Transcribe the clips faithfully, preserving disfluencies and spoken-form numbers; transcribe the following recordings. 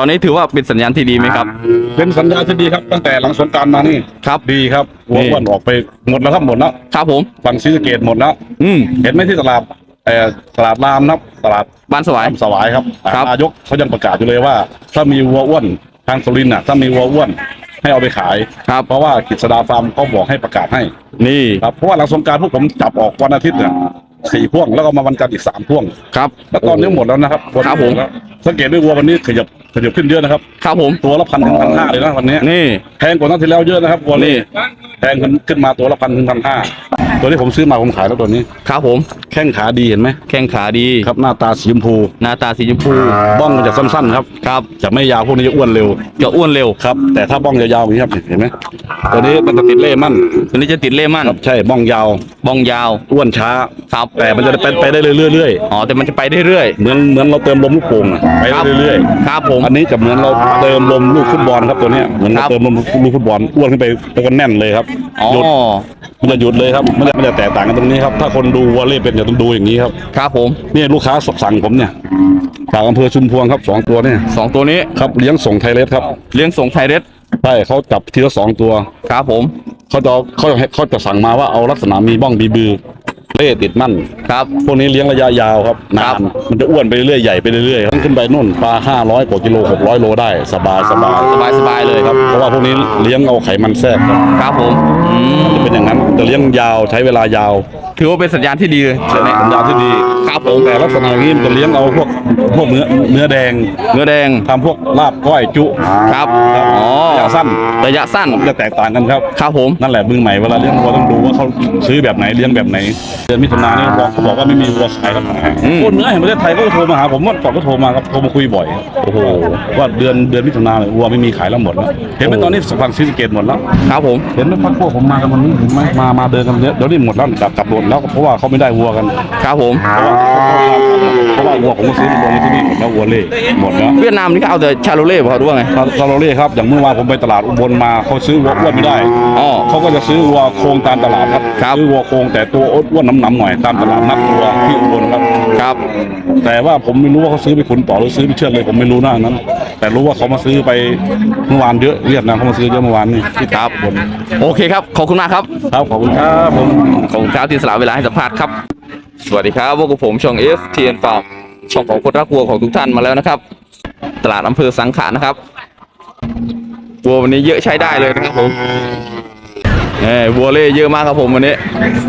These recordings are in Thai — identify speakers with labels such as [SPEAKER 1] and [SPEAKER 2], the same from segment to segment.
[SPEAKER 1] อนนี้ถือว่าเป็นสัญญาณที่ดีไหมครับ
[SPEAKER 2] เป็นสัญญาณที่ดีครับตั้งแต่หลังสงกรานต์มานี่
[SPEAKER 1] ครับ
[SPEAKER 2] ดีครับวัวอ้วนออกไปหมดแล้วครับหมดแล้ว
[SPEAKER 1] ครับผม
[SPEAKER 2] ฝั่งศรีสะเกษหมดแล้ว
[SPEAKER 1] อืม
[SPEAKER 2] เห็นไหมที่ตลาดเอ่อตลาดรามนะครับตลาด
[SPEAKER 1] บ้านสวาย
[SPEAKER 2] สวายครับ
[SPEAKER 1] ครับ
[SPEAKER 2] นายกเขายังประกาศอยู่เลยว่าถ้ามีวัวอ้วนทางสุรินทร์น่ะถ้ามีวัวอ้วนให้เอาไปขาย
[SPEAKER 1] ครับ
[SPEAKER 2] เพราะว่ากฤษดาฟาร์มเขาบอกให้ประกาศให้
[SPEAKER 1] นี่
[SPEAKER 2] ครับเพราะว่าหลังสงกรานต์พวกผมจับออกวันอาทิตย์เนี่ยสี่พ่วงแล้วก็มาวันจันทร์อีกสามพ่วง
[SPEAKER 1] ครับ
[SPEAKER 2] แล้วตอนนี้หมดแล้วนะครับ
[SPEAKER 1] ครับผม
[SPEAKER 2] สังเกตด้วยวัววันนี้ขยับขยับขึ้นเยอะนะครับ
[SPEAKER 1] ครับผม
[SPEAKER 2] ตัวละพันถึงพันห้าเลยนะวันนี้
[SPEAKER 1] นี่
[SPEAKER 2] แพงกว่านัดที่แล้วเยอะนะครับวัวนี้แพงขึ้นขึ้นมาตัวละพันถึงพันห้าตัวนี้ผมซื้อมาผมขายแล้วตัวนี้
[SPEAKER 1] ครับผม
[SPEAKER 2] แข้งขาดีเห็นไหม
[SPEAKER 1] แข้งขาดี
[SPEAKER 2] ครับหน้าตาสีชมพู
[SPEAKER 1] หน้าตาสีชมพู
[SPEAKER 2] บ้องมันจะสั้นๆครับ
[SPEAKER 1] ครับ
[SPEAKER 2] จะไม่ยาวพวกนี้จะอ้วนเร็ว
[SPEAKER 1] จะอ้วนเร็ว
[SPEAKER 2] ครับแต่ถ้าบ้องยาวๆอย่างนี้ครับเห็นไหมตัวนี้มันจะติดเล่มั่น
[SPEAKER 1] ตัวนี้จะติดเล่มั่น
[SPEAKER 2] ครับใช่บ้องยาว
[SPEAKER 1] บ้องยาว
[SPEAKER 2] อ้วนช้า
[SPEAKER 1] ครับ
[SPEAKER 2] แต่มันจะไปไปได้เรื่อย
[SPEAKER 1] ๆอ๋อแต่มันจะไปได้เรื่อย
[SPEAKER 2] เหมือนเหมือนเราเติมลมลูกโป่งไปเรื่อย
[SPEAKER 1] ๆครับผม
[SPEAKER 2] อันนี้จะเหมือนเราเติมลมลูกฟุตบอลครับตัวนี้เหมือนเราเติมลมลูกฟุตบอลอ้วนขึ้นไปแล้วก็แน่นเลยครับหยุดมันจะหยุดเลยครับมันจะมันจะแตกต่างกันตรงนี้ครับถ้าคนดูวอลเลย์เป็นจะต้องดูอย่างนี้ครับ
[SPEAKER 1] ครับผม
[SPEAKER 2] นี่ลูกค้าสั่งผมเนี่ยจากอำเภอชุมพวงครับสองตัวเนี่ย
[SPEAKER 1] สองตัวนี้
[SPEAKER 2] ครับเลี้ยงส่งไทยเรสครับ
[SPEAKER 1] เลี้ยงส่งไทยเรส
[SPEAKER 2] ใช่เขาจับทีละสองตัว
[SPEAKER 1] ครับผม
[SPEAKER 2] เขาจะเขาจะเขาจะสั่งมาว่าเอาลักษณะมีบ้องบีบือเล่ติดมั่น
[SPEAKER 1] ครับ
[SPEAKER 2] พวกนี้เลี้ยงระยะยาวครับนานมันจะอ้วนไปเรื่อยใหญ่ไปเรื่อยๆขึ้นไปนู่นปลาห้าร้อยกว่ากิโลหกร้อยโลได้สบายสบาย
[SPEAKER 1] สบายสบายเลย
[SPEAKER 2] ครับเพราะว่าพวกนี้เลี้ยงเอาไขมันแทรกครับ
[SPEAKER 1] ครับผม
[SPEAKER 2] จะเป็นอย่างนั้นจะเลี้ยงยาวใช้เวลายาว
[SPEAKER 1] ถือว่าเป็นสัญญาณที่ดีเลย
[SPEAKER 2] สัญญาณที่ดี
[SPEAKER 1] ครับผม
[SPEAKER 2] แต่ลักษณะนี้มันจะเลี้ยงเอาพวกพวกเนื้อเนื้อแดง
[SPEAKER 1] เนื้อแดง
[SPEAKER 2] ทำพวกลาบก้อยจุ
[SPEAKER 1] ครับอ๋อ
[SPEAKER 2] ระยะสั้น
[SPEAKER 1] ระยะสั้น
[SPEAKER 2] จะแตกต่างกันครับ
[SPEAKER 1] ครับผม
[SPEAKER 2] นั่นแหละมือใหม่เวลาเลี้ยงวัวต้องดูว่าเขาซื้อแบบไหนเลี้ยงแบบไหนเดือนมิถุนายนนี่เขาบอกว่าไม่มีวัวขายแล้วคนเนื้อแห่งประเทศไทยก็โทรมาหาผมว่าก่อนก็โทรมาครับโทรมาคุยบ่อยโอ้โหว่าเดือนเดือนมิถุนายนวัวไม่มีขายแล้วหมดแล้วเห็นไหมตอนนี้ฝั่งศรีสะเกษหมดแล้ว
[SPEAKER 1] ครับผม
[SPEAKER 2] เห็นไหมพักพวกผมมากันวันนี้เห็นไหมมามาเดินกันเยอะเดี๋ยวนี้หมดแล้วกลับกลับหมดแล้วเพราะว่าเขาไม่ได้วัวกัน
[SPEAKER 1] ครับผม
[SPEAKER 2] เพราะว่าวัวผมก็ซื้อลงที่นี่หมดแล้ววัวเล่หมดแล้ว
[SPEAKER 1] เวียดนามนี่เขาเอาแต่ชาโลเล่เขาด้วยไง
[SPEAKER 2] ชาโลเล่ครับอย่างเมื่อวานผมไปตลาดอุบลมาเขาซื้อวัวอ้วนไม่ได้
[SPEAKER 1] อ๋อ
[SPEAKER 2] เขาก็จะซื้อวัวโครงตามตลาดครับซื้อวัวโครงแต่ตัวอ้วนน้ำๆหน่อยตามตลาดนัดวัวที่อุบลครับ
[SPEAKER 1] ครับ
[SPEAKER 2] แต่ว่าผมไม่รู้ว่าเขาซื้อไปขุนต่อหรือซื้อไปเชือดเลยผมไม่รู้หน้านั้นแต่รู้ว่าเขามาซื้อไปเมื่อวานเยอะเวียดนามเขามาซื้อเยอะเมื่อวานนี่ที่
[SPEAKER 1] ครับบนโอเคครับขอบคุณมากครับ
[SPEAKER 2] ครับขอบคุณครับผม
[SPEAKER 1] ขอบคุณครับที่สละเวลาให้สัมภาษณ์ครับสวัสดีครับพวกผมช่อง เอฟ ที เอ็น Farm ช่องของคนรักวัวของทุกท่านมาแล้วนะครับตลาดอำเภอสังขะนะครับวัววันนี้เยอะใช้ได้เลยนะครับผมเอ้วัวเล่เยอะมากครับผมวันนี้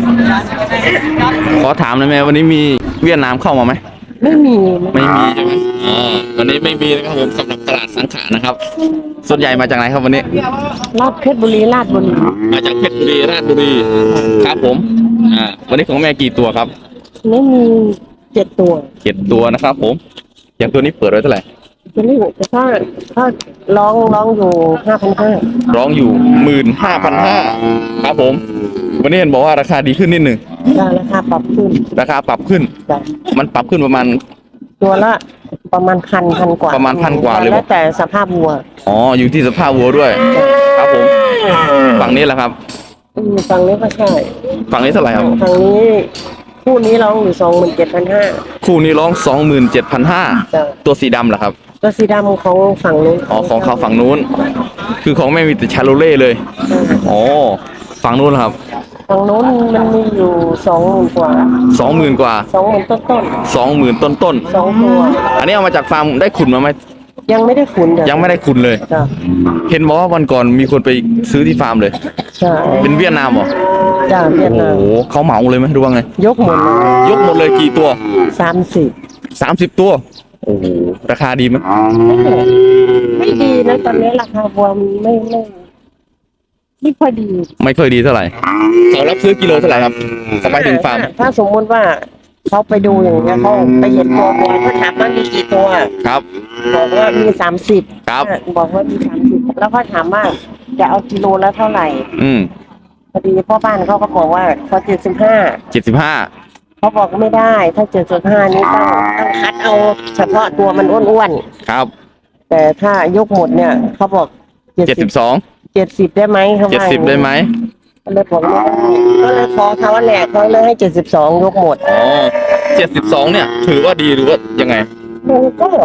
[SPEAKER 1] ขอถามหน่อยไหมวันนี้มีเวียดนามเข้ามาไหม
[SPEAKER 3] ไม่มี
[SPEAKER 1] ไม่มีใช่ไหมอ๋อวันนี้ไม่มีนะครับผมสำหรับตลาดสังขะนะครับส่วนใหญ่มาจากไหนครับวันนี้
[SPEAKER 3] ลาดเพชรบุรีลาดบุรี
[SPEAKER 1] มาจากเพชรบุรีราชบุรีครับผมอ่าวันนี้ของแม่กี่ตัวครับ
[SPEAKER 3] ไม่มีเจ็ดตัว
[SPEAKER 1] เจ็ดตัวนะครับผมอย่างตัวนี้เปิดไว้เท่าไหร่
[SPEAKER 3] ตัวนี้ถ้าถ้าร้องร้องอยู่ห้าพันห้า
[SPEAKER 1] ร้องอยู่หมื่นห้าพันห้าครับผมวันนี้เห็นบอกว่าราคาดีขึ้นนิดหนึ่ง
[SPEAKER 3] ราคาปรับขึ้น
[SPEAKER 1] ราคาปรับขึ้นมันปรับขึ้นประมาณ
[SPEAKER 3] ตัวละประมาณพันพันกว่า
[SPEAKER 1] ประมาณพันกว่าเลย
[SPEAKER 3] แล้วแต่สภาพวัว
[SPEAKER 1] อ๋ออยู่ที่สภาพวัวด้วยครับผมฝั่งนี้แหละครับ
[SPEAKER 3] ฝั่งนี้ก็ใช่
[SPEAKER 1] ฝั่งนี้เท่าไหร่ครับ
[SPEAKER 3] ฝั่งนี้คู่นี้ร้องอยู่สองหมื่นเจ็ดพันห้า
[SPEAKER 1] คู่นี้ร้องสองหมื่นเจ็ดพันห้าตัวสีดำเหรอครับ
[SPEAKER 3] ตัวสีดำของฝั่งนู้น
[SPEAKER 1] อ๋อของเขาฝั่งนู้นคือของไม่มีแต่ชาโลเล่เลยอ๋อฝั่งนู้นครับ
[SPEAKER 3] ฝั่งนู้นมันมีอยู่สองหมื่นกว่า
[SPEAKER 1] สองหมื่นกว่า
[SPEAKER 3] สองหมื่นต้นต้น
[SPEAKER 1] สองหมื่นต้นต้น
[SPEAKER 3] สองตัว
[SPEAKER 1] อันนี้เอามาจากฟาร์มได้ขุนมาไหม
[SPEAKER 3] ยังไม่ได้ขุน
[SPEAKER 1] ยังไม่ได้ขุนเลยเห็นบอกว่าวันก่อนมีคนไปซื้อที่ฟาร์มเลย
[SPEAKER 3] ใช่
[SPEAKER 1] เป็นเวียดนามเหรอ
[SPEAKER 3] จ้าเวียดนาม
[SPEAKER 1] โอ้เขาเหมาเลยไหมดูว่าไง
[SPEAKER 3] ยกหมดเลย
[SPEAKER 1] ยกหมดเลยกี่ตัว
[SPEAKER 3] สามสิบ
[SPEAKER 1] สามสิบตัวโอ้โหราคาดีไหม
[SPEAKER 3] ไม่ดีนะตอนนี้ราคาวัวมันไม่ไม่ไม่ค่อยดี
[SPEAKER 1] ไม่ค่อยดีเท่าไหร่เขารับซื้อกิโลเท่าไหร่ครับสบายถึงฟาร์ม
[SPEAKER 3] ถ้าสมมติว่าเขาไปดูอย่างเงี้ยเขาไปเห็นตัววัวเขาถามว่ามีกี่ตัว
[SPEAKER 1] ครับ
[SPEAKER 3] บอกว่ามีสามสิบ
[SPEAKER 1] ครับ
[SPEAKER 3] บอกว่ามีสามสิบแล้วก็ถามว่าจะเอากิโลละเท่าไหร่
[SPEAKER 1] อืม
[SPEAKER 3] พอดีพ่อบ้านเขาก็บอกว่าเขาเจ็ดสิบห้า
[SPEAKER 1] เจ็ดสิบห้า
[SPEAKER 3] เขาบอกไม่ได้ถ้าเจ็ดสิบห้านี้ต้องต้องคัดเอาเฉพาะตัวมันอ้วน
[SPEAKER 1] ๆครับ
[SPEAKER 3] แต่ถ้ายกหมดเนี่ยเขาบอก
[SPEAKER 1] เจ็ดสิบสอง
[SPEAKER 3] เจ็ดสิบได้ไหมเขา
[SPEAKER 1] เจ็ดสิบได้ไหม
[SPEAKER 3] ก็เลยบอกไม่ได้ก็เลยขอเขาว่าแหลกเขาเลยให้เจ็ดสิบสองยกหมด
[SPEAKER 1] อ๋อเจ็ดสิบสองเนี่ยถือว่าดีหรือว่ายังไง
[SPEAKER 3] มันก็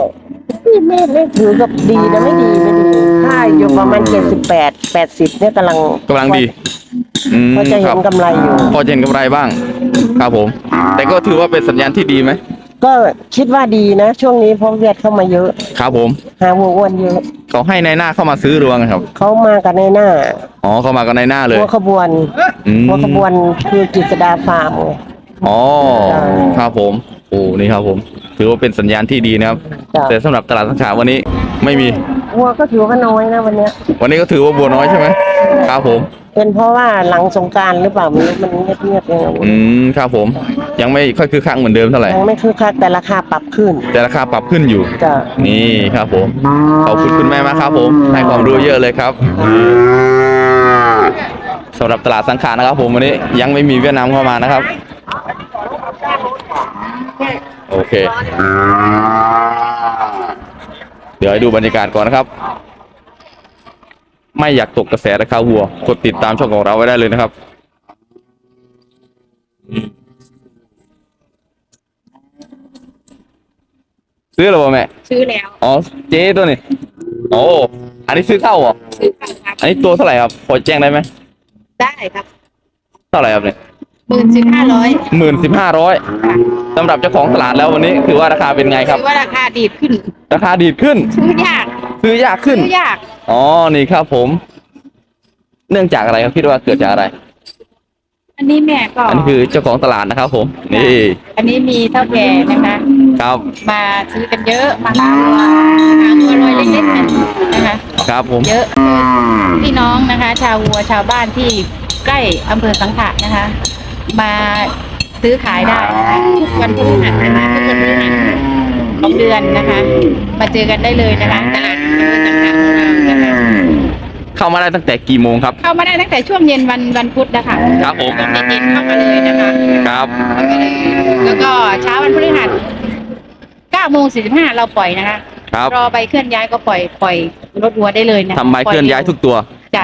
[SPEAKER 3] ไม่ไม่ไม่ถือกับดีนะไม่ดีไม่ดีถ้าอยู่ประมาณเจ็ดสิบแปดแปดสิบเนี่ยกำลัง
[SPEAKER 1] กำลังดีอืม
[SPEAKER 3] ก็จะ
[SPEAKER 1] ค
[SPEAKER 3] เห็
[SPEAKER 1] รับ
[SPEAKER 3] นกำไรอยู่
[SPEAKER 1] พอจะเห็นกำไรบ้าง ครับผม แต่ก็ถือว่าเป็นสัญญาณที่ดีไหม
[SPEAKER 3] ก็คิดว่าดีนะ ช่วงนี้เพราะเวียดเข้ามาเยอะ
[SPEAKER 1] ครับผม
[SPEAKER 3] หาวัวอ้วนเยอะ
[SPEAKER 1] เขาให้ในหน้าเข้ามาซื้อหรือว่าไงครับ
[SPEAKER 3] เขามากันในหน้า
[SPEAKER 1] อ๋อเข้ามากันในหน้าเลย
[SPEAKER 3] หัวขบวน
[SPEAKER 1] อืม
[SPEAKER 3] หัวขบวนคือกิจดาฟาร์ม
[SPEAKER 1] อ๋อครับผม โอ้นี่ครับผม ถือว่าเป็นสัญญาณที่ดีนะครับ
[SPEAKER 3] จ้ะ
[SPEAKER 1] แต่สำหรับตลาดสังขาวันนี้ไม่มี
[SPEAKER 3] วัวก็ถือว่าน้อยนะวันเนี้ย
[SPEAKER 1] วันนี้ก็ถือว่าบัวน้อยใช่ไหมครับผม
[SPEAKER 3] เป็นเพราะว่าหลังสงกรารหรือเปล่าไม่รู้มันเงียบๆยังไง
[SPEAKER 1] อืมครับผม ยังไม่ค่อยคือคักเหมือนเดิมเท่าไหร่
[SPEAKER 3] ยังไม่คือคักแต่ราคาปรับขึ้น
[SPEAKER 1] แต่ราคาปรับขึ้นอยู่
[SPEAKER 3] จ้ะ
[SPEAKER 1] นี่ครับผม ขอบคุณคุณแม่มากครับผม ให้ความรู้เยอะเลยครับสำหรับตลาดสังขารนะครับผมวันนี้ยังไม่มีเวียดนามเข้ามานะครับ โอเค เดี๋ยวให้ดูบรรยากาศก่อนนะครับ ไม่อยากตกกระแสราคาวัว กดติดตามช่องของเราไว้ได้เลยนะครับ ซื้อหรือเปล่าแม่
[SPEAKER 4] ซื้อแล้ว
[SPEAKER 1] อ๋อ เจ๊ตัวนี้โอ้อันนี้ซื้อเข้าเหรอ
[SPEAKER 4] ซื้อค่ะครับ
[SPEAKER 1] อันนี้ตัวเท่าไหร่ครับ พอแจ้งได้ไหม
[SPEAKER 4] ได้ครับ
[SPEAKER 1] เท่าไหร่ครับเนี่ย
[SPEAKER 4] หมื่นสิบห้าร้อย
[SPEAKER 1] หมื่นสิบห้าร้อยสำหรับเจ้าของตลาดแล้ววันนี้ถือว่าราคาเป็นไงครับ
[SPEAKER 4] ถือว่าราคาดีดขึ้น
[SPEAKER 1] ราคาดีดขึ้น
[SPEAKER 4] ซื้อยาก
[SPEAKER 1] ซื้อยากขึ้น
[SPEAKER 4] ซื้อยาก
[SPEAKER 1] อ๋อ นี่ครับผม เนื่องจากอะไรครับคิดว่าเกิดจากอะไร
[SPEAKER 4] อันนี้แม่ก็
[SPEAKER 1] อันนี้คือเจ้าของตลาดนะครับผม นี่
[SPEAKER 4] อันนี้มีเท่าแก่นะคะ
[SPEAKER 1] ครับ
[SPEAKER 4] มาซื้อกันเยอะมาหาตัวหาตัวรอยเล็กๆกันนะคะ
[SPEAKER 1] ครับผม
[SPEAKER 4] เยอะพี่น้องนะคะ ชาววัวชาวบ้านที่ใกล้อำเภอสังขะนะคะ มาซื้อขายได้นะคะทุกวันพฤหัสนะคะทุกวันพฤหัสของเดือนนะคะ มาเจอกันได้เลยนะคะตลาดอำเภอสังขะของเรานะคะ
[SPEAKER 1] เข้ามาได้ตั้งแต่กี่โมงครับ
[SPEAKER 4] เข้ามาได้ตั้งแต่ช่วงเย็นวันวันพุธนะคะ
[SPEAKER 1] ครับผม
[SPEAKER 4] ช่วงเย็นๆเข้ามาเลยนะคะ
[SPEAKER 1] ครับ
[SPEAKER 4] เข้ามาเลยแล้วก็เช้าวันพฤหัสเก้าโมงสี่สิบห้าเราปล่อยนะคะ
[SPEAKER 1] ครับ
[SPEAKER 4] รอใบเคลื่อนย้ายก็ปล่อยปล่อยรถวัวได้เลยนะ
[SPEAKER 1] ทำใบเคลื่อนย้ายทุกตัว
[SPEAKER 4] จ้ะ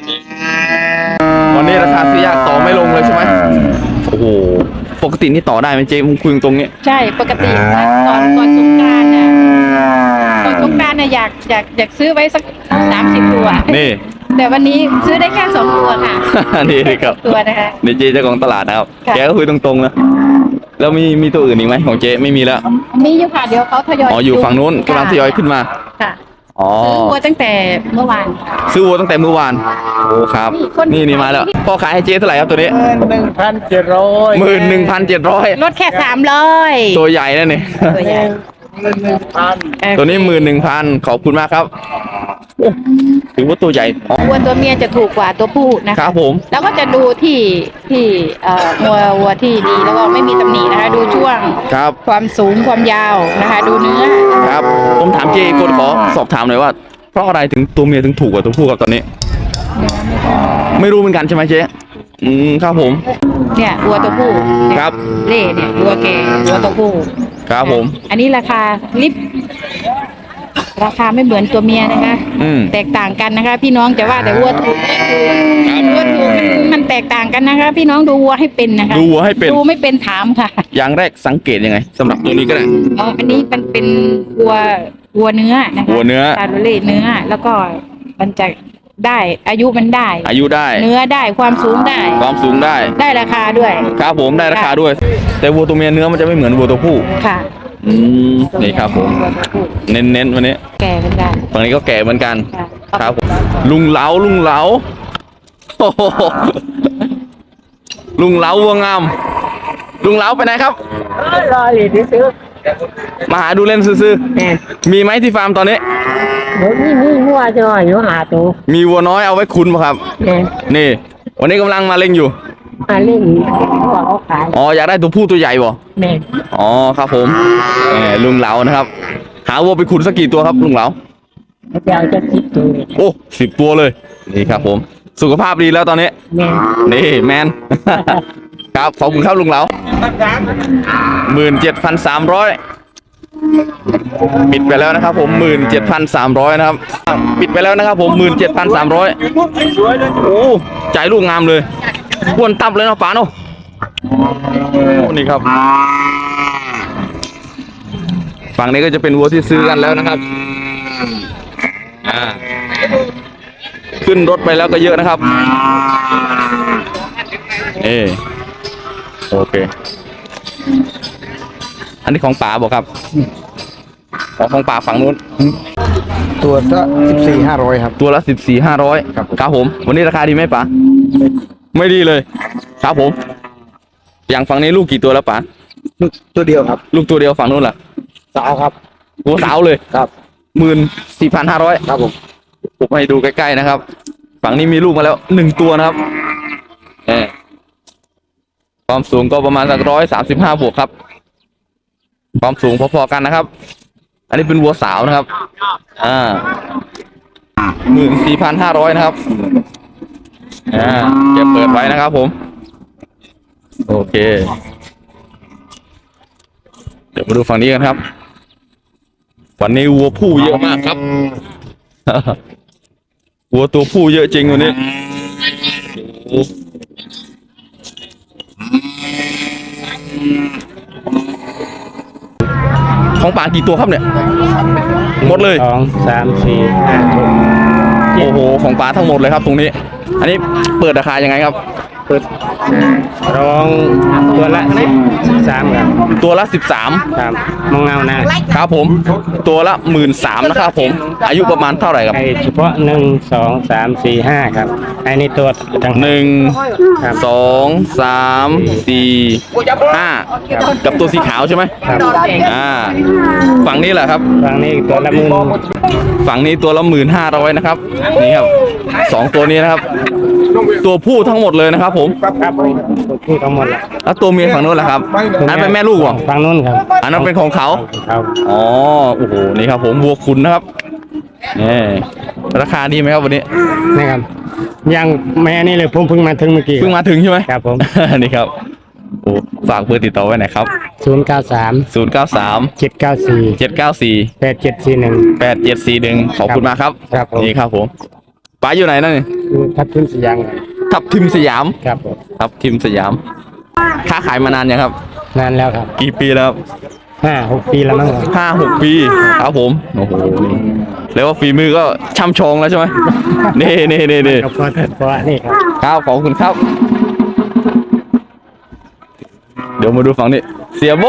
[SPEAKER 1] วันนี้ราคาซื้อยากต่อไม่ลงเลยใช่ไหมโอ้โห ปกตินี่ต่อได้ไหมเจ๊มึงคุยตรงนี้
[SPEAKER 4] ใช่ปกตินะก่อนก่อนสงกรานต์นะก่อนสงกรานต์เนี่ยอยากอยากอยากซื้อไว้สักสามสิบตัว
[SPEAKER 1] นี่
[SPEAKER 4] แต่วันนี้ซื้อได้แค่สองตัวค่ะ
[SPEAKER 1] นี่ครับ
[SPEAKER 4] ตัวนะคะ
[SPEAKER 1] นี่เจ๊เจ้าของตลาดนะครับ
[SPEAKER 4] ค่ะ
[SPEAKER 1] แกก็คุยตรงๆนะ แล้วมีมีตัวอื่นอีกไหมของเจ๊ไม่มีแล้ว
[SPEAKER 4] มีอยู่ค่ะเดี๋ยวเขาทยอย
[SPEAKER 1] อ๋ออยู่ฝั่งนู้นกำลังทยอยขึ้นมา
[SPEAKER 4] ค่ะ
[SPEAKER 1] อ๋อ
[SPEAKER 4] ซื้อวัวตั้งแต่เมื่อวาน
[SPEAKER 1] ซื้อวัวตั้งแต่เมื่อวาน โอ้ครับ
[SPEAKER 4] นี่คน
[SPEAKER 1] นี่นี่มาแล้ว พ่อขายให้เจ๊เท่าไหร่ครับตัวนี้
[SPEAKER 3] หนึ่งพันเจ็ดร้อย
[SPEAKER 1] หมื่นหนึ่งพันเจ็ดร้อย
[SPEAKER 4] ลดแค่สามร้อย
[SPEAKER 1] ตัวใหญ่แล้วนี่
[SPEAKER 4] ตัวใหญ่
[SPEAKER 3] หนึ่งพัน
[SPEAKER 1] ตัวนี้หมื่นหนึ่งพันขอบคุณมากครับ ถือว่าตัวใหญ่อ๋อ
[SPEAKER 4] วัวตัวเมียจะถูกกว่าตัวผู้นะ
[SPEAKER 1] ค
[SPEAKER 4] คะ
[SPEAKER 1] รับผม
[SPEAKER 4] แล้วก็จะดูที่ที่เอ่อวัววัวที่ดีแล้วก็ไม่มีตำหนินะคะ ดูช่วง
[SPEAKER 1] ครับ
[SPEAKER 4] ความสูงความยาวนะคะ ดูเนื้อ
[SPEAKER 1] ครับ ผมถามเจ๊อีกคนขอสอบถามหน่อยว่า เพราะอะไรถึงตัวเมียถึงถูกกว่าตัวผู้ครับตอนนี้ ไม่รู้เหมือนกันใช่ไหมเจ๊ อืมครับผม
[SPEAKER 4] เนี่ยวัวตัวผู้เนี่ย
[SPEAKER 1] ครับ
[SPEAKER 4] เล่เนี่ยวัวแก่วัวตัวผู้
[SPEAKER 1] ครับผม
[SPEAKER 4] อันนี้ราคาลิฟราคาไม่เหมือนตัวเมียนะคะ
[SPEAKER 1] อืม
[SPEAKER 4] แตกต่างกันนะคะ พี่น้องจะว่าแต่วัวถูกวัวถูกมันมันแตกต่างกันนะคะ พี่น้องดูวัวให้เป็นนะคะ
[SPEAKER 1] ดูวัวให้เป็น
[SPEAKER 4] ดูไม่เป็นถามค่ะ
[SPEAKER 1] อย่างแรกสังเกตยังไงสำหรับตัวนี้ก็ได้
[SPEAKER 4] อ๋ออันนี้มันเป็นวัววัวเนื้อนะคะ
[SPEAKER 1] วัวเนื้อ
[SPEAKER 4] ชาโรเล่เนื้อ แล้วก็มันจะได้อายุมันได้
[SPEAKER 1] อายุได้
[SPEAKER 4] เนื้อได้ความสูงได้
[SPEAKER 1] ความสูงได้
[SPEAKER 4] ได้ราคาด้วย
[SPEAKER 1] ครับผมได้ราคาด้วย แต่วัวตัวเมียเนื้อมันจะไม่เหมือนวัวตัวผู้
[SPEAKER 4] ค่ะ
[SPEAKER 1] อืมนี่ครับผม
[SPEAKER 4] วัวตัวผู้
[SPEAKER 1] เน้นๆวันนี้
[SPEAKER 4] แก่เป็นได้
[SPEAKER 1] ฝั่งนี้ก็แก่เหมือนกัน
[SPEAKER 4] ค่ะ
[SPEAKER 1] ครับผมลุงเหลาลุงเหลาโอ้โหลุงเหลาวัวงาม ลุงเหลาไปไหนครับ
[SPEAKER 3] รอเลยที่ซื้อ
[SPEAKER 1] มาหาดูเล่นซื่อ
[SPEAKER 3] แม่
[SPEAKER 1] ๆมีไหมที่ฟาร์มตอนนี้
[SPEAKER 3] เดี๋ยวนี่นี่วัวจะหน่อยอยู่หาตัว
[SPEAKER 1] มีวัวน้อยเอาไว้คุ้นป่ะครับ
[SPEAKER 3] แม่
[SPEAKER 1] นี่ วันนี้กำลังมาเล่งอยู่
[SPEAKER 3] มาเล่นวัวเขาขาย
[SPEAKER 1] อ๋ออยากได้ตัวผู้ตัวใหญ่บ่
[SPEAKER 3] แม่
[SPEAKER 1] อ๋อครับผมแหมลุงเหลานะครับ หาวัวไปขุนสักกี่ตัวครับลุงเหลา
[SPEAKER 3] เดี๋ยวจะคิดตัวเลย
[SPEAKER 1] โอ้สิบตัวเลย นี่ครับผม สุขภาพดีแล้วตอนนี้
[SPEAKER 3] แม่
[SPEAKER 1] นี่แมน ครับขอบคุณครับลุงเหลาหมื่นเจ็ดพันสามร้อยปิดไปแล้วนะครับผมหมื่นเจ็ดพันสามร้อยนะครับปิดไปแล้วนะครับผมหมื่นเจ็ดพันสามร้อยโอ้จ่ายลูกงามเลยควนตับเลยเนาะป๋าเนาะโอ้นี่ครับฝั่งนี้ก็จะเป็นวัวที่ซื้อกันแล้วนะครับอ่าขึ้นรถไปแล้วก็เยอะนะครับเอโอเคอันนี้ของป๋าบอกครับของของป๋าฝั่งนู้น
[SPEAKER 5] ตัวละสิบสี่ห้าร้อยครับ
[SPEAKER 1] ตัวละสิบสี่ห้าร้อยครับผมวันนี้ราคาดีไหมป๋าไม่ดีเลยครับผมอย่างฝั่งนี้ลูกกี่ตัวแล้วป๋า
[SPEAKER 5] ตัวเดียวครับ
[SPEAKER 1] ลูกตัวเดียวฝั่งนู้นล่ะ
[SPEAKER 5] สาวครับ
[SPEAKER 1] ตัวสาวเลย
[SPEAKER 5] ครับ
[SPEAKER 1] หมื่นสี่พันห้าร้อย
[SPEAKER 5] ครับผม
[SPEAKER 1] ผมให้ดูใกล้ๆนะครับ ฝั่งนี้มีลูกมาแล้วหนึ่งตัวนะครับเออความสูงก็ประมาณสักร้อยสามสิบห้าบวกครับ ความสูงพอๆกันนะครับ อันนี้เป็นวัวสาวนะครับ อ่าหมื่นสี่พันห้าร้อยนะครับ อ่าเก็บเปิดไว้นะครับผม โอเค เดี๋ยวมาดูฝั่งนี้กันครับ วันนี้วัวผู้เยอะมากครับ วัวตัวผู้เยอะจริงวันนี้ของป่ากี่ตัวครับเนี่ยหมดเลย
[SPEAKER 5] สองสามสี่ห้าหก
[SPEAKER 1] โอ้โหของป่าทั้งหมดเลยครับตรงนี้ อันนี้เปิดราคายังไงครับ
[SPEAKER 5] เปิดร้องตัวละสิบสามครับ
[SPEAKER 1] ตัวละสิบสาม
[SPEAKER 5] ครับมองเงานะครับ
[SPEAKER 1] ผม ตัวละหมื่นสามนะครับผม อายุประมาณเท่าไหร่ครับ
[SPEAKER 5] ไอเฉพาะหนึ่งสองสามสี่ห้าครับไอ้นี่ตัวต่าง
[SPEAKER 1] หนึ่ง
[SPEAKER 5] ครับ
[SPEAKER 1] สองสามสี่ห้ากับตัวสีขาวใช่ไหม
[SPEAKER 5] ครับ
[SPEAKER 1] อ่าฝั่งนี้แหละครับ
[SPEAKER 5] ฝั่งนี้ตัวละหมื่น
[SPEAKER 1] ฝั่งนี้ตัวละหมื่นห้าร้อยนะครับนี่ครับสองตัวนี้นะครับ ตัวผู้ทั้งหมดเลยนะครับผม
[SPEAKER 5] ครับตัวผู้ทั้งหมดละ
[SPEAKER 1] แล้วตัวเมียฝั่งนู้นล่ะครับอันเป็นแม่ลูกเหรอ
[SPEAKER 5] ฝั่งนู้นครับ
[SPEAKER 1] อันนั้นเป็นของเขา
[SPEAKER 5] ครับ
[SPEAKER 1] อ๋อโอ้โหนี่ครับผมวัวคุณนะครับนี่ราคาดีไหมครับวันนี้
[SPEAKER 5] นี่ครับยังแม่นี่เลยผมเพิ่งมาถึงเมื่อกี้
[SPEAKER 1] เพิ่งมาถึงใช่ไหม
[SPEAKER 5] ครับผม
[SPEAKER 1] นี่ครับโอ้ฝากเบอร์ติดต่อไว้หน่อยครับ
[SPEAKER 5] ศูนย์เก้าสาม
[SPEAKER 1] ศูนย์เก้าสาม
[SPEAKER 5] เจ็ดเก้าสี่
[SPEAKER 1] เจ็ดเก้าสี่
[SPEAKER 5] แปดเจ็ดสี่หนึ่ง
[SPEAKER 1] แปดเจ็ดสี่หนึ่งขอบคุณมากครับ
[SPEAKER 5] ครับผม
[SPEAKER 1] นี่ครับผมป๋าอยู่ไหนนั่นนี่
[SPEAKER 5] ทับทุนสยาม
[SPEAKER 1] ทับทิมสยาม
[SPEAKER 5] ครับผม
[SPEAKER 1] ทับทิมสยามค้าขายมานานยังครับ
[SPEAKER 5] นานแล้วครับ
[SPEAKER 1] กี่ปีแล้วครับ
[SPEAKER 5] ห้าหกปีแล้วมั้งครับ
[SPEAKER 1] ห้าหกปีครับผมโอ้โหแล้วว่าฝีมือก็ช่ำชองแล้วใช่ไหม นี่นี่นี่นี่
[SPEAKER 5] ครับเพราะเพราะนี่ครับ
[SPEAKER 1] ครับขอบคุณครับ เดี๋ยวมาดูฝั่งนี้เสียโบ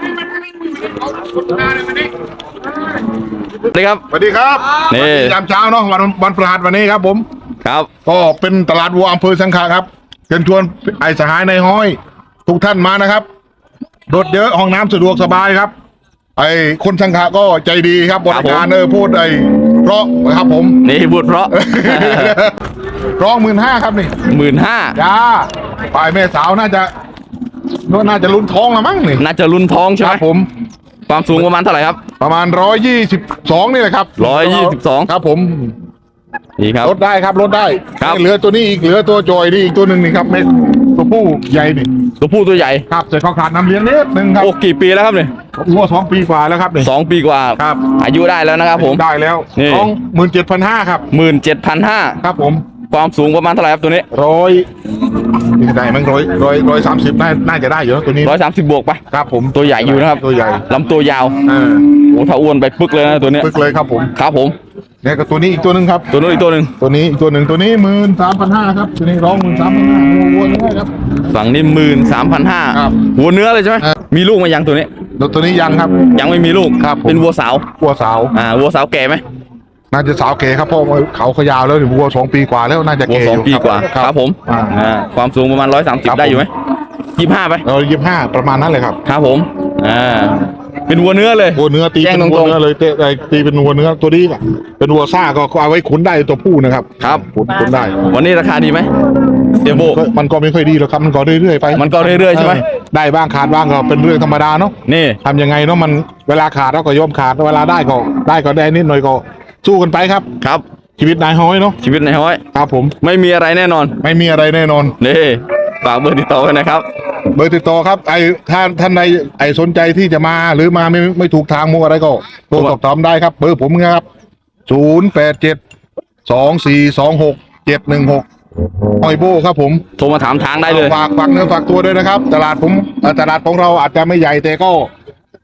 [SPEAKER 1] สวัสดีครับ
[SPEAKER 6] สวัสดีครับ
[SPEAKER 1] นี่
[SPEAKER 6] วันนี้ยามเช้าเนาะวันวันพฤหัสวันนี้ครับผม
[SPEAKER 1] ครับ
[SPEAKER 6] ก็เป็นตลาดวัวอำเภอสังขะครับเชิญชวนไอ้สหายในห้อยทุกท่านมานะครับรถเยอะห้องน้ำสะดวกสบายครับ ไอ้คนสังขะก็ใจดีครับบริการเออพูดไอ้เพราะนะครับผม
[SPEAKER 1] นี่บุตรเพราะ
[SPEAKER 6] ร้องหมื่นห้าครับนี่
[SPEAKER 1] หมื่นห้า
[SPEAKER 6] จ้าฝ่ายแม่สาวน่าจะน่าจะลุ้นท้องละมั้งนี่
[SPEAKER 1] น่าจะรุ่นท้องใช่
[SPEAKER 6] ค
[SPEAKER 1] ไหม
[SPEAKER 6] รับผม
[SPEAKER 1] ความสูงประมาณเท่าไหร่ครับ
[SPEAKER 6] ประมาณร้อยยี่สิบสองนี่แหละครับ
[SPEAKER 1] ร้อยยี่สิบสอง
[SPEAKER 6] ครับผม
[SPEAKER 1] นี่ครับ
[SPEAKER 6] ลดได้ครับลดได้
[SPEAKER 1] ครับ
[SPEAKER 6] เหลือตัวนี้อีกเหลือตัวจอยนี่อีกตัวหนึ่งนี่ครับเม็ดตัวผู้ใหญ่นี่
[SPEAKER 1] ตัวผู้ตัวใหญ่
[SPEAKER 6] ครับแต่เขาขาดน้ำเลี้ยงนิดนึงครับ
[SPEAKER 1] โอ้กี่ปีแล้วครับเนี่ย
[SPEAKER 6] วัวสองปีกว่าแล้วครับนี่
[SPEAKER 1] สองปีกว่า
[SPEAKER 6] ครับ
[SPEAKER 1] อายุได้แล้วนะครับผม
[SPEAKER 6] ได้แล้ว
[SPEAKER 1] นี่
[SPEAKER 6] สองหมื่นเจ็ดพันห้าครับ
[SPEAKER 1] หมื่นเจ็ดพันห้า
[SPEAKER 6] ครับผม
[SPEAKER 1] ความสูงประมาณเท่าไหร่ครับตัวนี้
[SPEAKER 6] ร้อยได้มั้งร้อยร้อยร้อยสามสิบน่าน่าจะได้อยู่นะตัวนี้
[SPEAKER 1] ร้อยสามสิบบวกปะ
[SPEAKER 6] ครับผม
[SPEAKER 1] ตัวใหญ่อยู่นะครับ
[SPEAKER 6] ตัวใหญ่
[SPEAKER 1] ลำตัวยาว
[SPEAKER 6] เออ
[SPEAKER 1] โอ้ถ้าอ้วนไปปึ๊กเลยนะตัวเนี้ย
[SPEAKER 6] ปึกเลยครับผม
[SPEAKER 1] ครับผม
[SPEAKER 6] เนี่ยก็ตัวนี้อีกตัวหนึ่งครับ
[SPEAKER 1] ตัวนู้นอีกตัวหนึ่ง
[SPEAKER 6] ตัวนี้อีกตัวหนึ่งตัวนี้หมื่นสามพันห้าครับตัวนี้ร้องหมื่นสามพันห้าวัววัวนี่ครับ
[SPEAKER 1] ฝั่งนี้หมื่นสามพันห้า
[SPEAKER 6] ครับ
[SPEAKER 1] หัวเนื้อเลยใช่ไหม
[SPEAKER 6] ครับ
[SPEAKER 1] มีลูกมายังตัวนี้
[SPEAKER 6] แล้วตัวนี้ยังครับ
[SPEAKER 1] ยังไม่มีลูก
[SPEAKER 6] ครับผม
[SPEAKER 1] เป็นวัวสาว
[SPEAKER 6] วัวสาว
[SPEAKER 1] อ่าวัวสาวแก่ไหม
[SPEAKER 6] น่าจะสาวเก๋ครับเพราะว่าเขาเขายาวแล้วนี่วัวสองปีกว่าแล้วน่าจะ
[SPEAKER 1] วัว
[SPEAKER 6] เก๋
[SPEAKER 1] สอง
[SPEAKER 6] ยู่
[SPEAKER 1] ปีกว่า
[SPEAKER 6] ค
[SPEAKER 1] ค
[SPEAKER 6] รั
[SPEAKER 1] รั
[SPEAKER 6] บบ
[SPEAKER 1] ผม
[SPEAKER 6] อ่า
[SPEAKER 1] อ่าความสูงประมาณร้อยสามสิบ
[SPEAKER 6] ครับ
[SPEAKER 1] ได้อยู่ไหมยี่ห้าไป
[SPEAKER 6] เรายี่ห้าประมาณนั้นเลยครับ
[SPEAKER 1] ครับผมอ่าเป็นวัวเนื้อเลย
[SPEAKER 6] วัวเนื้อตี
[SPEAKER 1] แจ้ง
[SPEAKER 6] เป็น
[SPEAKER 1] ตรงๆ
[SPEAKER 6] วัวเนื้อเลยเตะไอ้ตีเป็นวัวเนื้อตัวนี้อ่ะเป็นวัวซ่าก็เอาไว้ขุนได้ตัวผู้นะครับ
[SPEAKER 1] ครับ
[SPEAKER 6] ขุนขุนได้
[SPEAKER 1] วันนี้ราคาดีไหมเดี๋ยวโบ
[SPEAKER 6] ก็มันก็ไม่ค่อยดีหรอกครับมันก็เรื่อยๆไป
[SPEAKER 1] มันก็เรื่อยๆใช่ไหม
[SPEAKER 6] เออได้บ้างขาดบ้างก็เป็นเรื่องธรรมดาเนาะ
[SPEAKER 1] นี่
[SPEAKER 6] ทำยังไงเนาะมันเวลาขาดเราก็ยอมขาดเวลาได้ก็ได้ก็ได้นิดหน่อยก็สู้กันไปครับ
[SPEAKER 1] ครับ
[SPEAKER 6] ชีวิตนายห้อยเนาะ
[SPEAKER 1] ชีวิตในห้อย
[SPEAKER 6] ครับผม
[SPEAKER 1] ไม่มีอะไรแน่นอน
[SPEAKER 6] ไม่มีอะไรแน่นอน
[SPEAKER 1] นี่ฝากเบอร์ติดต่อไว้นะครับ
[SPEAKER 6] เบอร์ติดต่อครับไอ้ถ้าท่านใดไอ้สนใจที่จะมาหรือมาไม่ไม่ถูกทางมัวอะไรก็โทรสอบถามได้ครับเบอร์ผมนะครับศูนย์แปดเจ็ดสองสี่สองหกเจ็ดหนึ่งหกหอยโบครับผม
[SPEAKER 1] โทรมาถามทางได้เลย
[SPEAKER 6] ฝากฝากเนื้อฝากตัวด้วยนะครับ ตลาดผมเอ่อตลาดของเราอาจจะไม่ใหญ่แต่ก็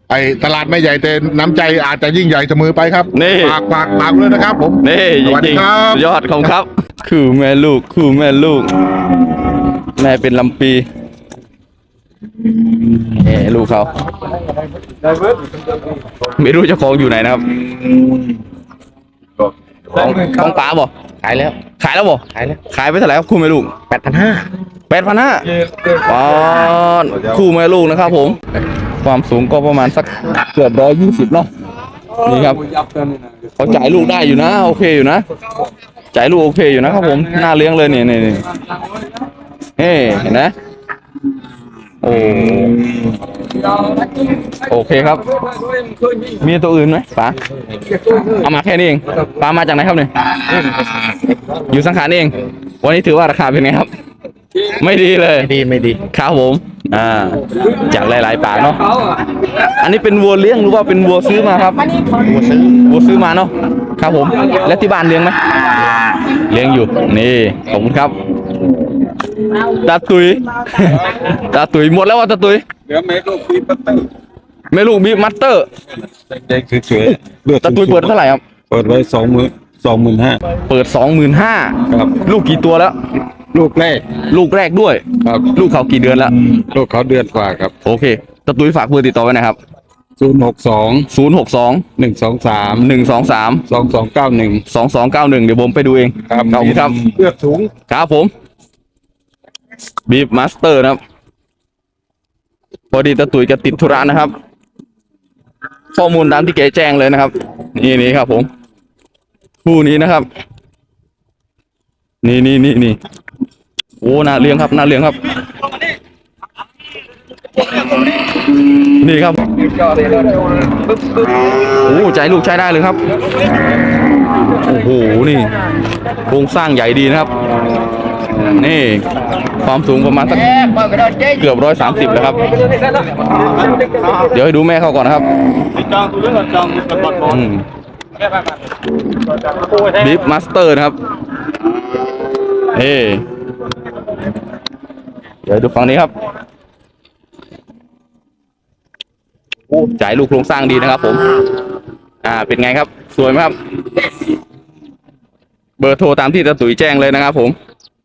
[SPEAKER 6] ไอ้ตลาดไม่ใหญ่แต่น้ำใจอาจจะยิ่งใหญ่เสมอไปครับ
[SPEAKER 1] นี่
[SPEAKER 6] ฝากฝากฝากเลยนะครับผม
[SPEAKER 1] นี่จ
[SPEAKER 6] สวัสดี
[SPEAKER 1] ริง
[SPEAKER 6] ครับ
[SPEAKER 1] ๆยอดของครับ คือแม่ลูกคือแม่ลูก แม่เป็นลำปีเอ้ลูกเขาไม่รู้เจ้าของอยู่ไหนนะครับของของป๋าบ่
[SPEAKER 5] ขายแล้ว
[SPEAKER 1] ขายแล้วบ่
[SPEAKER 5] ขายแล้ว
[SPEAKER 1] ขายไปเท่าไหร่ครับคู่แม่ลูก
[SPEAKER 5] แปดพันห้า
[SPEAKER 1] แปดพันห้าปอนคู่แม่ลูกนะครับผม ความสูงก็ประมาณสักเกือบร้อยยี่สิบเนาะนี่ครับเขาจ่ายลูกได้อยู่นะโอเคอยู่นะจ่ายลูกโอเคอยู่นะครับผมน่าเลี้ยงเลยเนี่ยเนี่ยเนี่ยเฮ้เห็นไหมโอ้โอเคครับ มีตัวอื่นไหมป๋าเอามาแค่นี้เองป๋ามาจากไหนครับเนี่ยอยู่สังขารนี่เองวันนี้ถือว่าราคาเป็นไงครับ ไม่ดีเลย
[SPEAKER 5] ไม่ดีไม่ดี
[SPEAKER 1] ครับผม อ่า จากหลายๆปากเนาะ อันนี้เป็นวัวเลี้ยงหรือว่าเป็นวัวซื้อมาครับ วัวซื้อ วัวซื้อมาเนาะ ครับผม และที่บ้านเลี้ยงไหม เลี้ยงอยู่ นี่ ขอบคุณครับ ตาตุย ตาตุยหมดแล้วว่ะตาตุย
[SPEAKER 7] เหลือเมลูกบีบเตอร์
[SPEAKER 1] แม่ลูกมีมัตเตอร์
[SPEAKER 7] เด็กๆสวยๆเลือด
[SPEAKER 1] ตาตุยเปิดเท่าไหร่ครับ
[SPEAKER 7] เปิดไว้สองหมื่นสองหมื่นห้า
[SPEAKER 1] เปิดสองหมื่นห้า
[SPEAKER 7] ครับ
[SPEAKER 1] ลูกกี่ตัวแล้ว
[SPEAKER 7] ลูกแรก
[SPEAKER 1] ลูกแรกด้วย
[SPEAKER 7] ครับ
[SPEAKER 1] ลูกเขากี่เดือนแล้ว
[SPEAKER 7] ลูกเขาเดือนกว่าครับ
[SPEAKER 1] โอเคตาตุยฝากเบอร์ติดต่อไว้นะครับ
[SPEAKER 7] ศูนย์หกสอง
[SPEAKER 1] ศูนย์หกสอง
[SPEAKER 7] หนึ่งสองสาม
[SPEAKER 1] หนึ่งสองสาม
[SPEAKER 7] สองสองเก้าหนึ่ง
[SPEAKER 1] สองสองเก้าหนึ่งเดี๋ยวผมไปดูเอง
[SPEAKER 7] ครับ
[SPEAKER 1] ขอบคุณครับ
[SPEAKER 7] เลือดสูง
[SPEAKER 1] ครับผมบีฟมาสเตอร์นะครับ พอดีตะตุยจะติดธุระนะครับ ข้อมูลตามที่แกแจ้งเลยนะครับ นี่นี่ครับผมคู่นี้นะครับ นี่นี่นี่นี่โอ้น่าเลี้ยงครับน่าเลี้ยงครับ นี่ครับโอ้ใจลูกใช้ได้เลยครับโอ้โหนี่โครงสร้างใหญ่ดีนะครับ นี่ความสูงประมาณสักเกือบร้อยสามสิบแล้วครับ เดี๋ยวให้ดูแม่เขาก่อนนะครับบีฟมาสเตอร์นะครับเฮ้เดี๋ยวดูฝั่งนี้ครับโอ้จ่ายลูกโครงสร้างดีนะครับผม อ่าเป็นไงครับ สวยไหมครับ เบอร์โทรตามที่ตะตุ๋ยแจ้งเลยนะครับผม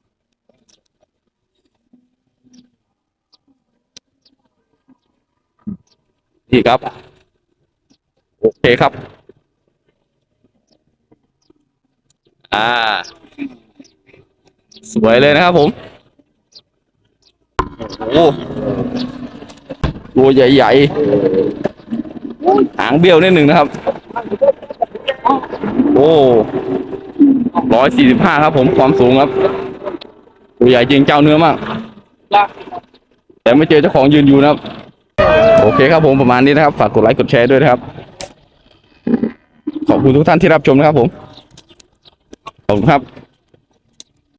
[SPEAKER 1] นี่ครับ โอเคครับ อ่า สวยเลยนะครับผมโอ้โหตัวใหญ่ๆหางเบี้ยวนิดหนึ่งนะครับ โอ้ร้อยสี่สิบห้าครับผมความสูงครับตัวใหญ่จริงเจ้าเนื้อมาก แต่ไม่เจอเจ้าของยืนอยู่นะครับ โอเคครับผมประมาณนี้นะครับฝากกดไลค์กดแชร์ด้วยนะครับ ขอบคุณทุกท่านที่รับชมนะครับผม ขอบคุณครับ